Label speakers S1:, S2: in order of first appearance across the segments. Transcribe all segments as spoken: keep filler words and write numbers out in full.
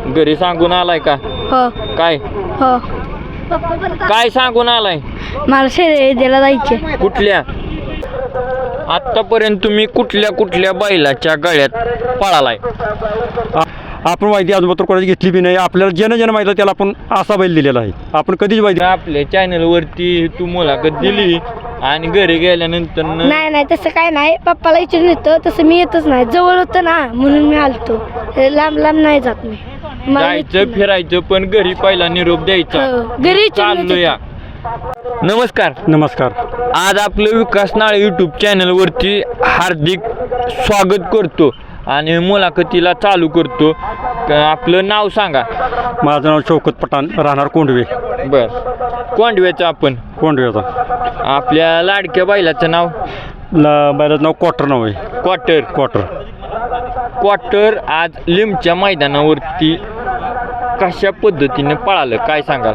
S1: घरी सांगून आलाय का?
S2: हो
S1: काय
S2: हो
S1: काय सांगून आलाय?
S2: मला शर्यतीला जायचे.
S1: कुठल्या? आतापर्यंत तुम्ही कुठल्या कुठल्या बैलाच्या गळ्यात पळालाय?
S3: आपण माहिती अजून तर कोणाची घेतली बी नाही. आपल्याला ज्यानं ज्यानं माहिती त्याला आपण असा बैल दिलेला आहे. आपण कधीच माहिती
S1: आपल्या चॅनलवरती तू मुलाखत दिली आणि घरी गेल्यानंतर न-
S2: नाही नाही तसं काय नाही. पप्पाला विचारून येतो तसं मी येतच नाही. जवळ होतं ना म्हणून मी आलतो. लांब लांब नाही जात मी. मला
S1: जायचं
S2: येत नाही.
S1: फिरायचं पण घरी पहिला निरोप द्यायचा.
S2: हो, घरी विचारून
S1: चाललो या. नमस्कार.
S3: नमस्कार.
S1: आज आपलं विकास नाळे यूट्यूब चॅनलवरती हार्दिक स्वागत करतो आणि मुलाखतीला चालू करतो. क- आपलं नाव सांगा.
S3: माझं नाव शौकत पठाण, राहणार कोंडवे.
S1: बर कोंडव्याचं आपण
S3: कोंडवेचा
S1: आपल्या लाडक्या बैलाचं नाव
S3: ला बैलाचं नाव क्वार्टर नाव आहे.
S1: क्वार्टर.
S3: क्वार्टर
S1: क्वार्टर आज लिमच्या मैदानावरती कशा पद्धतीने पळालं काय सांगाल?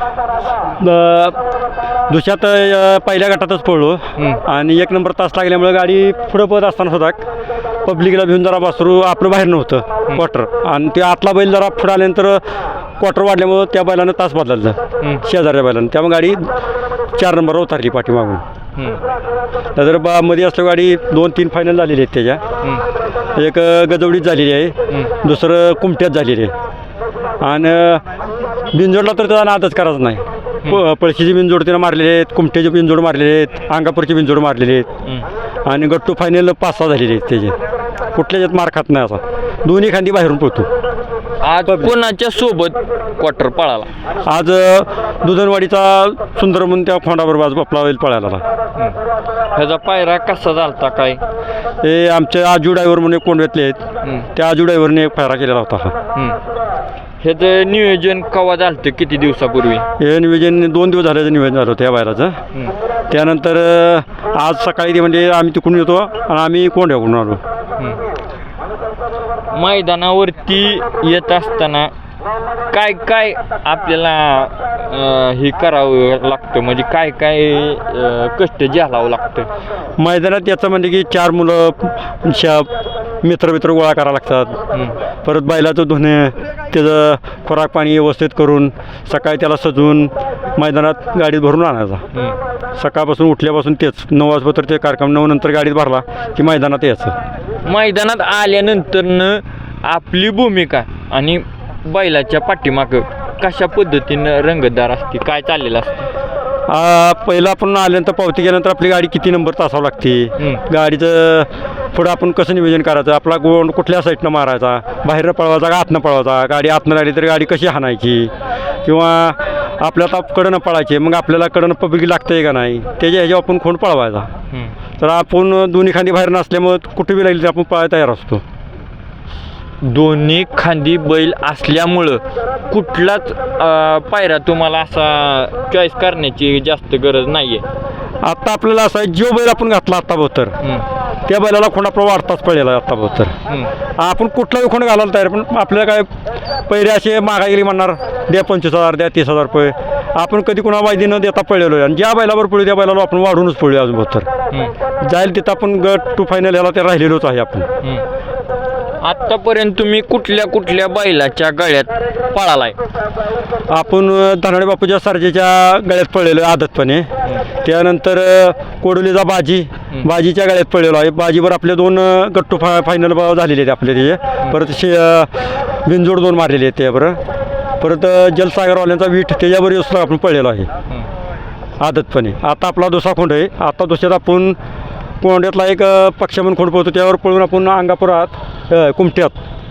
S3: दुसऱ्यात अ, पहिल्या गटातच पळलो
S1: हं.
S3: आणि एक नंबर तास लागल्यामुळे गाडी पुढं पळत असताना सुद्धा पब्लिकला भिवून जरा वासरू आपलं बाहेर नव्हतं क्वार्टर. आणि ते आतला बैल जरा पुढं आल्यानंतर क्वार्टर वाढल्यामुळं त्या बैलानं तास बदललं
S1: हं.
S3: शेजारच्या बैलानं. त्यामुळे गाडी चार नंबरवर उतरली पाठीमागून.
S1: हं.
S3: नंतर बा मध्ये असल्या गाडी दोन तीन फायनल झालेली आहेत त्याच्या.
S1: हं.
S3: एक अ, गजवडीत झालेली आहे,
S1: हं.
S3: दुसरं कुमट्यात झालेली आहे. आणि बिनजोडला तर त्याचा नादच करायचा नाही. प पळशीची बिनजोड त्यानं मारलेले आहेत, कुमट्याचे बिनजोड मारलेले आहेत, अंगापूरची बिनजोड मारलेले आहेत.
S1: हं.
S3: आणि गट्टू फायनल पाच सहा झालेले आहेत त्याचे. कुठल्याच्यात मार खात नाही असा. दोन्ही खांदी बाहेरून पळतो.
S1: आज कोणाच्या सोबत क्वार्टर पळाला?
S3: आज अ, दुधनवाडीचा सुंदर म्हणून त्या खोंडावर बाजू आपला बैल पळायला.
S1: ह्याचा पायरा कसा झालता काय?
S3: हे आमचे आजू ड्रायव्हर म्हणून एक कोंडव्यातले आहेत.
S1: हं.
S3: त्या आजू ड्रायव्हरने एक फायरा केलेला होता हा.
S1: हं. ह्याचं नियोजन केव्हा झालं? किती दिवसापूर्वी?
S3: हे नियोजन दोन दिवस झाल्याचं नियोजन झालं होतं या बैलाचं.
S1: हं.
S3: त्यानंतर अ, आज सकाळी ते म्हणजे आम्ही तिकडून येतो आणि आम्ही कोंड्याकडून आलो.
S1: हं. मैदानावरती येत असताना काय काय आपल्याला अं, हे करावं लागतं म्हणजे काय काय अं, कष्ट झेलावं लागतं?
S3: मैदानात याचं म्हणजे की चार मुलं शा मित्र मित्र गोळा करावं लागतात.
S1: हं.
S3: परत बैलाचं धुणे, त्याचं खुराक पाणी व्यवस्थित करून सकाळी त्याला सजवून मैदानात गाडीत भरून आणायचा.
S1: हं.
S3: सकाळपासून उठल्यापासून तेच नऊ वाजता ते कार्यक्रम नऊ नंतर गाडीत भरला की मैदानात यायचं.
S1: मैदानात आल्यानंतरनं आपली भूमिका आणि बैलाच्या पाठीमागं कशा पद्धतीनं रंगतदार असते, काय चाललेलं असतं?
S3: आ, पहिलं आपण आल्यानंतर पावती केल्यानंतर आपली गाडी किती नंबर तासावं लागते,
S1: हं.
S3: गाडीचं पुढं आपण कसं नियोजन करायचं, आपला गोंड कुठल्या साईडनं मारायचा, बाहेरनं पळवायचा का आतनं पळवायचा, गाडी आतनं राहिली तर गाडी कशी हाणायची, किंवा आपल्याला कडनं पळायची मग आपल्याला कडनं पब्लिक लागतं आहे का नाही, त्याच्या ह्याच्यावर आपण खोंड पळवायचा.
S1: हं.
S3: तर आपण दोन्ही खांदी बाहेर नसल्यामुळं कुठे बी लागली तर आपण पळायला तयार असतो.
S1: दोन्ही खांदी बैल असल्यामुळं कुठलाच अं, पायरा तुम्हाला असा चॉईस करण्याची जास्त गरज नाही आहे.
S3: आत्ता आपल्याला असं आहे, जो बैल आपण घातला आत्ता बोतर त्या बैलाला खोंड आपला वाढताच पडलेला आहे आत्ता बोतर. आपण कुठलाही खोंड घालायला तयार, पण आपल्याला काय पहिले असे मागा गेली म्हणणार द्या पंचवीस हजार द्या तीस हजार रुपये. आपण कधी कुणा वायदी न देता पळलेलो आहे आणि ज्या बैलावर पळू त्या बैलाला आपण वाढूनच पळूया अजून बोतर जाईल तिथं आपण गट टू फायनल याला ते राहिलेलोच आहे आपण.
S1: आत्तापर्यंत तुम्ही कुठल्या कुठल्या बैलाच्या गळ्यात पळालाय?
S3: आपण धनाडे बापूच्या सरजेच्या गळ्यात पळलेलो आहे आदतपणे. त्यानंतर कोडोलीचा बाजी बाजीच्या गळ्यात पळलेलो आहे. बाजीवर आपले दोन गट्टू फा फायनल झालेले आहेत आपले त्याचे. परत शे बिनजोड दोन मारलेले आहेत त्याबरोबर. परत जलसागरवाल्यांचा वीट त्याच्यावर सुद्धा आपण पळलेलो आहे आदतपणे. आता आपला दुसरा खोंड आहे. आता दुसऱ्यात आपण कोंड्यातला एक पक्ष म्हणून खोंड पळतो त्यावर पळून आपण अंगापुरात कुमट्यात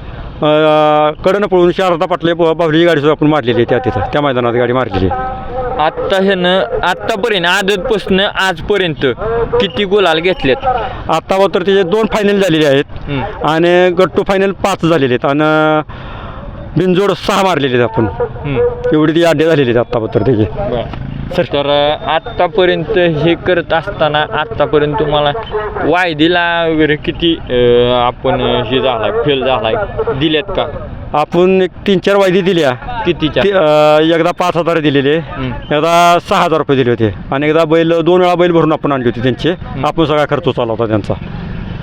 S3: कडनं पळून शारदा पाटले बाहुलीची गाडी सुद्धा आपण मारलेली आहे त्या तिथं त्या मैदानात गाडी मारलेली आहे.
S1: आत्ता ह्यानं आत्तापर्यंत आदतपासून आजपर्यंत किती गुलाल घेतलेत?
S3: आत्ता तर त्याचे दोन फायनल झालेले आहेत आणि गट्टू फायनल पाच झालेले आहेत आणि बिनजोड सहा मारलेले आहेत आपण. एवढी ती अड्डे झालेले आहेत आत्ता तर त्याचे.
S1: तर आत्तापर्यंत हे करत असताना आत्तापर्यंत तुम्हाला वायदीला वगैरे किती अं, आपण हे झालाय फेल झालाय दिलेत का?
S3: आपण एक तीन चार वायदी दिल्या.
S1: कितीच्या?
S3: ती, अ, एकदा पाच हजार दिलेले, एकदा सहा हजार रुपये दिले होते आणि एकदा बैल दोन वेळा बैल भरून आपण आणली होती त्यांचे. आपण सगळा खर्च चालू होता त्यांचा.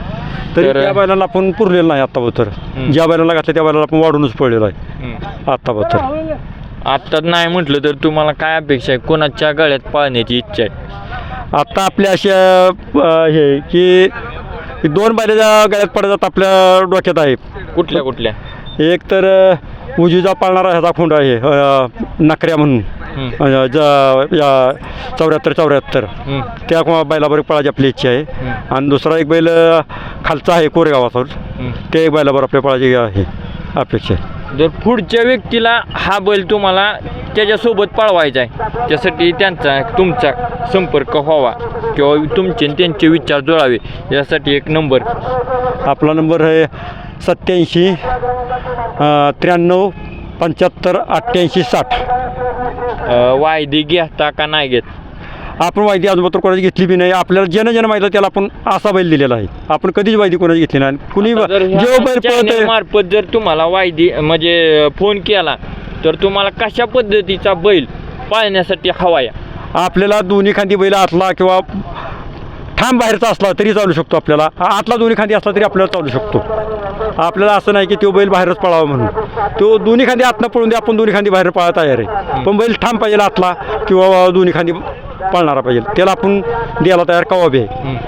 S3: तरी
S1: तर-
S3: त्या बैलाला आपण पुरलेलं नाही आत्ताबद्दल.
S1: हं.
S3: ज्या बैलाला घातलं त्या बैलाला आपण वाढूनच पडलेलो आहे
S1: हं.
S3: आत्ताबद्दल.
S1: आत्ता नाही म्हटलं तर तुम्हाला काय अपेक्षा आहे, कोणाच्या गळ्यात पाळण्याची इच्छा आहे?
S3: आत्ता आपल्या अशा अ, हे की की दोन बैलाच्या गळ्यात पडतात आपल्या डोक्यात आहे.
S1: कुठल्या कुठल्या?
S3: एक तर अ, उजवीचा पाळणारा ह्याचा खोंड आहे अ, नखऱ्या म्हणून
S1: हं.
S3: अ, ज- या चौऱ्याहत्तर चौऱ्याहत्तर
S1: हं.
S3: त्या को- बैलाबरोबर पळायची आपली इच्छा आहे.
S1: हं.
S3: आणि दुसरा एक बैल अ, खालचा आहे कोरेगावाचा,
S1: हं.
S3: त्या एक बैलाबरोबर आपल्या पळायची आहे अपेक्षा आहे.
S1: जर पुढच्या व्यक्तीला हा बैल तुम्हाला त्याच्यासोबत पळवायचा आहे, त्यासाठी त्यांचा त्रुमचा संपर्क व्हावा किंवा तुमचे आणि त्यांचे विचार जुळावे यासाठी एक नंबर.
S3: आपला नंबर आहे सत्याऐंशी त्र्याण्णव पंच्याहत्तर अठ्ठ्याऐंशी साठ.
S1: अ, वायदी घेता का नाही घेत?
S3: आपण वायदी अजून कोणाची घेतली बी नाही. आपल्याला जन जन माहिती त्याला आपण असा बैल दिलेला आहे. आपण कधीच वायदी कोणाची घेतली नाही. कुणी
S1: आता जर ह्या
S3: जेव्हा बैल
S1: channel
S3: पळतोय
S1: मार्फत जर तुम्हाला वायदी म्हणजे फोन केला तर तुम्हाला कशा पद्धतीचा बैल पाळण्यासाठी हवा या?
S3: आपल्याला दोन्ही खांदी बैल आतला किंवा ठाम बाहेरचा असला तरी चालू शकतो. आपल्याला आतला दोन्ही खांदी असला तरी आपल्याला चालू शकतो. आपल्याला असं नाही की तो बैल बाहेरच पळावा म्हणून. तो दोन्ही खांदी आतनं पळून दे, आपण दोन्ही खांदी बाहेर पळायला तयार आहे. पण बैल ठाम पाहिजे आतला किंवा दोन्ही खांदी पळणारा पाहिजे, त्याला आपण द्यायला तयार कवा बी आहे.
S1: हं.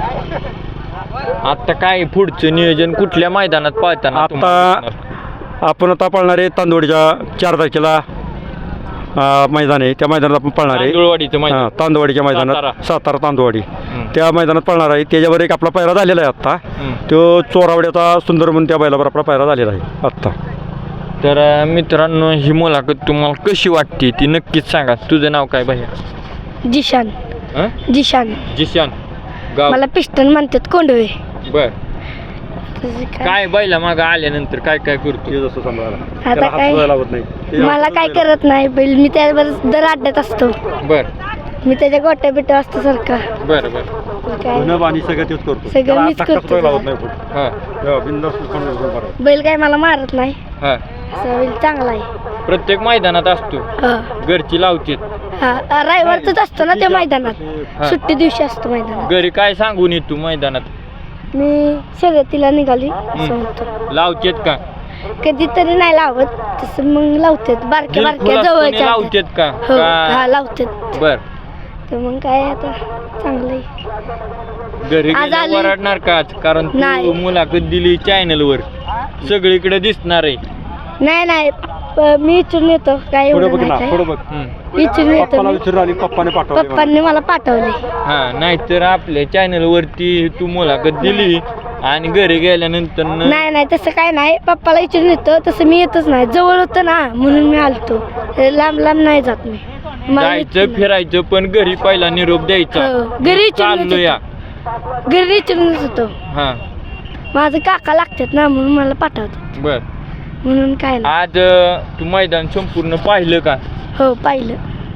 S1: आता काय पुढचं नियोजन कुठल्या मैदानात पाळताना तुम्हाला
S3: आता
S1: दिसणार?
S3: आपण आता पळणार आहे तांदवडीच्या चार तारखेला अ, मैदान आहे. त्या मैदानात आपण पळणार आहे.
S1: तांदूळवाडीचं मैदान.
S3: हां, तांदवडीच्या मैदानात
S1: सातारा.
S3: सातारा तांदवडी
S1: हं.
S3: त्या मैदानात पळणार आहे. त्याच्यावर एक आपला पायरा झालेला आहे आत्ता.
S1: हं.
S3: तो चोरावड्याचा सुंदर म्हणून त्या बैलावर आपला पायरा झालेला आहे आत्ता.
S1: तर अ, मित्रांनो, ही मुलाखत तुम्हाला कशी वाटते ती नक्कीच सांगा. तुझं नाव काय भैया?
S2: जिशान
S1: हं?
S2: जिशान
S1: जिशान. गाव?
S2: मला पिस्टन म्हणतात कोंडवे.
S1: बर.
S2: तुझं काय?
S1: काय बैला माग आल्यानंतर काय काय करतो?
S2: आता काय मला काय करत नाही बैल, मी त्यावर दर अड्ड्यात असतो.
S1: बर
S2: मी त्याच्या गोट्या बिट्या असतो सारखा.
S1: बर बर.
S2: काय
S3: पाणी सगळं तेच करतो.
S2: सगळं
S3: त्याला
S2: मीच
S3: हात
S2: करतो.
S3: लावत नाही कुठं.
S1: हा
S3: तेव्हा बिनधास्त उचलून उचलून मारायचं.
S2: बैल काय मला मारत नाही.
S1: हा.
S2: असा बैल चांगला आहे.
S1: प्रत्येक मैदानात असतो,
S2: हा
S1: घरची लावते.
S2: हा रविवारच असतो ना त्या मैदानात,
S1: हा.
S2: सुट्टी दिवशी असतो मैदानात.
S1: घरी काय सांगून येतो मैदानात?
S2: मी शर्यतीला निघाली असं म्हणतो.
S1: लावतेत का?
S2: कधीतरी नाही लावत, तसं मग लावतात बारक्या बारक्या जवळच्या.
S1: लावतेत का?
S2: हो हा
S1: का-
S2: लावतात.
S1: बर.
S2: तर मग काय आता चांगलं आहे.
S1: घरी
S2: आज
S1: गेल्यावर
S2: आली-
S1: वरडणार का आज? कारण
S2: नाही.
S1: तू मुलाखत दिली चॅनल वर, सगळीकडे दिसणार आहे.
S2: नाही नाही प- मी इचून येतो काय
S3: पुढे
S2: एवढं
S3: बघ ना,
S2: नाही
S3: पुढे
S2: काय.
S3: बघ.
S1: हम्म.
S2: इचून येतो
S3: पप्पाला
S2: मी.
S3: विचारून आली, पप्पाने पाठवले मला.
S2: पप्पांनी मला पाठवले.
S1: हा, नाहीतर आपल्या चॅनल वरती तू मुलाखत दिली आणि घरी गेल्यानंतर न-
S2: नाही नाही तसं काय नाही, पप्पाला इचून येतो तसं मी येतच नाही. जवळ होतं ना म्हणून मी आलतो, लांब लांब नाही जात मी. मला
S1: जायचं
S2: इचून-
S1: फिरायचं पण घरी पहिला निरोप द्यायचा.
S2: हो, घरी इचून
S1: चाललो या.
S2: घरी इचून होतो.
S1: हा
S2: माझं काका लागतात ना म्हणून मला पाठवतात,
S1: बर.
S2: म्हणून काय नाही.
S1: आज अं, तू मैदान संपूर्ण पाहिलं का?
S2: हो पाहिलं,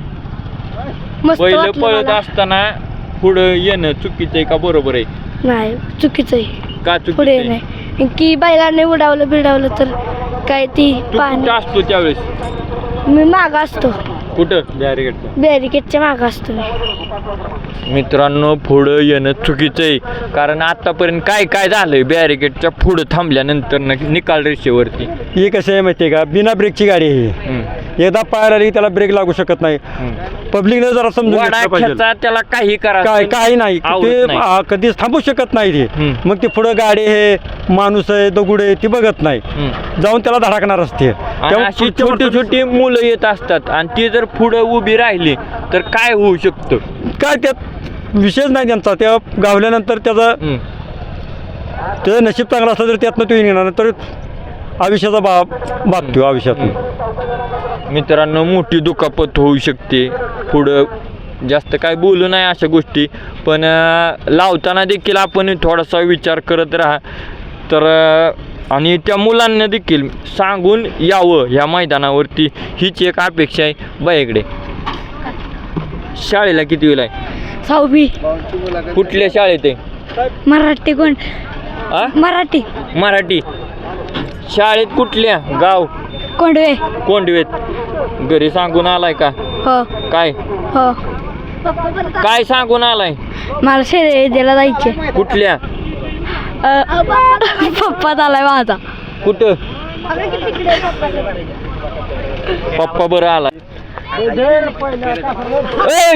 S2: मस्त
S1: पहिलं
S2: वाटलं
S1: पळत
S2: मला.
S1: असताना पुढं येणं चुकीचं आहे का बरोबर आहे?
S2: नाही चुकीचं आहे,
S1: का
S2: पुढे
S1: चुकीचं आहे?
S2: नाही की बैलाने उडावलं बिडावलं तर काय ती
S1: तू कुठं
S2: पाणी.
S1: असतो त्यावेळेस?
S2: मी माग असतो,
S1: कुठं?
S3: बॅरिकेडचं.
S2: बॅरिकेडच्या माग असतो मी.
S1: मित्रांनो, पुढं येणं चुकीचं आहे, कारण आतापर्यंत काय काय झालंय बॅरिकेडच्या पुढं थांबल्यानंतर न निकाल रेषेवरती.
S3: ही कशी आहे माहिती आहे का, बिना ब्रेकची गाडी आहे ही.
S1: हम्म.
S3: एकदा पायाला आली त्याला ब्रेक लागू शकत नाही.
S1: हम्म.
S3: पब्लिकने जरा समजून घेतलं पाहिजे.
S1: वडाख्याचा त्याला काही करा
S3: काय काही नाही
S1: आवडत
S3: ते
S1: नाही.
S3: आ, कधीच थांबू शकत नाही ते.
S1: हम्म.
S3: मग ते पुढं गाडी आहे, माणूस आहे, दगुड आहे, ती बघत नाही,
S1: हम्म.
S3: जाऊन त्याला धडकणार असते.
S1: आणि
S3: त्यामुळे
S1: अशी
S3: पुढच्या
S1: छोटी
S3: माणसाला-
S1: छोटी मुलं येत असतात आणि ती जर पुढं उभी राहिली तर काय होऊ शकतं?
S3: काय त्यात विषयच नाही त्यांचा. त्या गावल्यानंतर त्याचा
S1: हम्म.
S3: त्याचं नशीब चांगलं असलं तर त्यातनं तो येणार, तर आयुष्याचा बा बागतो आयुष्यातून.
S1: मित्रांनो, मोठी दुखापत होऊ शकते. पुढं जास्त काय बोलू नाही अशा गोष्टी, पण अं, लावताना देखील आपण थोडासा विचार करत राहा. तर अं, आणि त्या मुलांना देखील सांगून यावं ह्या मैदानावरती, हीच एक अपेक्षा आहे बाईकडे. शाळेला किती वेळ आहे?
S2: सहावी.
S1: कुठल्या शाळेत आहे?
S2: मराठी कोण?
S1: आ?
S2: मराठी
S1: मराठी शाळेत. कुठल्या? गाव?
S2: कोंडवे.
S1: कोंडवेत. घरी सांगून आलाय का?
S2: हो
S1: काय
S2: हो.
S1: काय सांगून आलाय?
S2: मला शर्यतीला जायचे.
S1: कुठल्या?
S2: पप्पा झालाय माझा.
S1: कुठं पप्पा बरं आला. ए